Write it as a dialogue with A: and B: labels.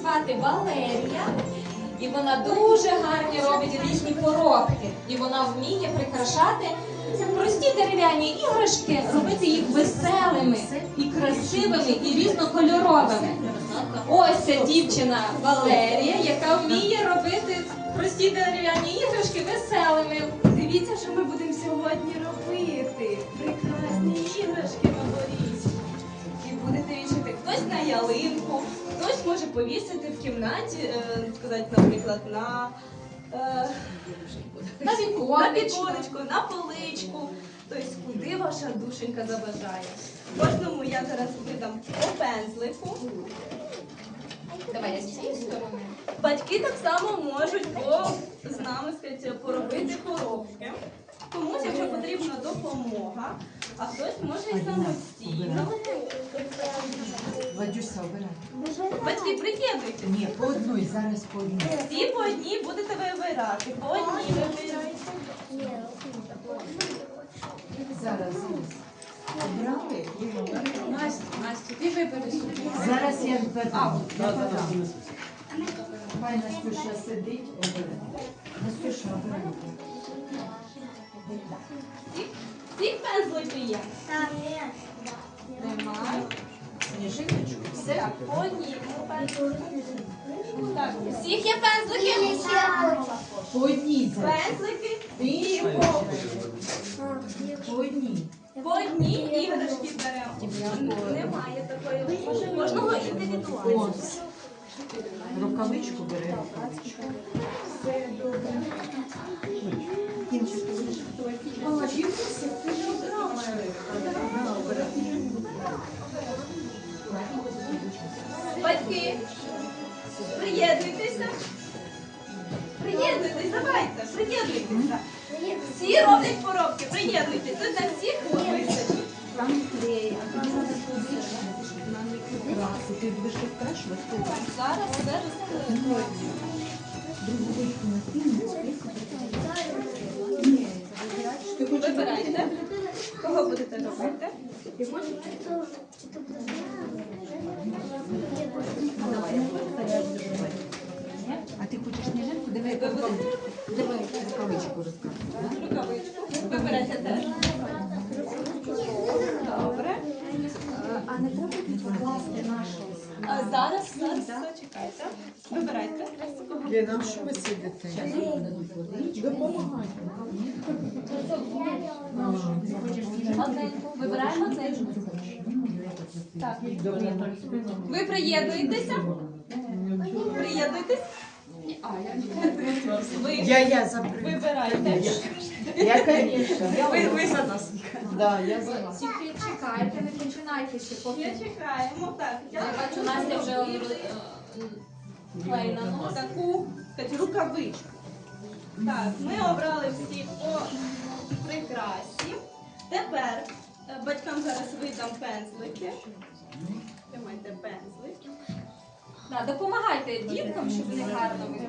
A: звати Валерія. І вона дуже гарні робить різні поробки. І вона вміє прикрашати прості дерев'яні іграшки, робити їх веселими і красивими і різнокольоровими. Ось ця дівчина Валерія, яка вміє робити прості дерев'яні іграшки веселими.
B: Дивіться, що ми будемо сьогодні робити. Прекрасні іграшки новорічні. І будете вішати хтось на ялинку, хтось може повісити в кімнаті, сказати, наприклад, на віконечку, на поличку. Тобто, куди ваша душенька забажає. Кожному я зараз видам по пензлику.
A: Давай я з цієї сторони.
B: Батьки так само можуть з нами поробити коробки. Комусь, якщо потрібна допомога, а хтось може і самостійно.
C: Вадюся, обирай.
B: Батьки, приєднуйтесь.
C: Ні, по одній, зараз по одній.
B: Всі по одній будете вибирати. По одній вибирайте.
C: Зараз. Обрали?
A: Настя, ти вибери собі.
C: Зараз я подам. Хай Настюша сидить, обирай. Настюша, обирай.
B: Всі пензлики є?
A: Немає.
C: Сніжиночку. Все?
B: Так, по одній пензлику. Так, у всіх є пензлики?
C: По одній зараз.
B: Пензлики
C: Ти
B: і
C: що? По одній.
B: по одній іграшки беремо. Немає такої. Кожного індивідуально.
C: Ось. Рукавичку бери, рукавичку.
B: Батьки, приєднуйтеся. Приєднуйтесь, давайте, приєднуйтеся. Всі роблять поробки, приєднуйтесь. Тут на всіх висить.
C: Ти будеш розкрашувати?
A: Зараз все розкрию.
B: Вибирайте. Кого будете робити?
C: А ти хочеш сніжинку? Давай рукавичку розкрашувати.
B: Рукавичку. Вибирайте теж. Добре.
A: А не треба покласти нашу?
B: Зараз, чекайте. Вибирайте.
C: Ліна, що ви сидите? Допомагайте.
A: Одненьку. Вибираємо одненьку.
B: Так. Ви приєднуєтеся? Приєднуйтесь. Ви
C: Я заберу.
B: вибирайте.
C: Я, конечно.
B: Ви за нас.
C: Да, я за вас.
A: Тільки чекайте, не починайте ще
B: Ще
A: поки.
B: чекаємо. Так.
A: Я бачу, Настя вже клей наносить.
B: Таку рукавичку. Так, ми обрали всі по прикрасі. Тепер батькам зараз видам пензлики. Тримайте пензлик.
A: Допомагайте діткам, щоб вони гарно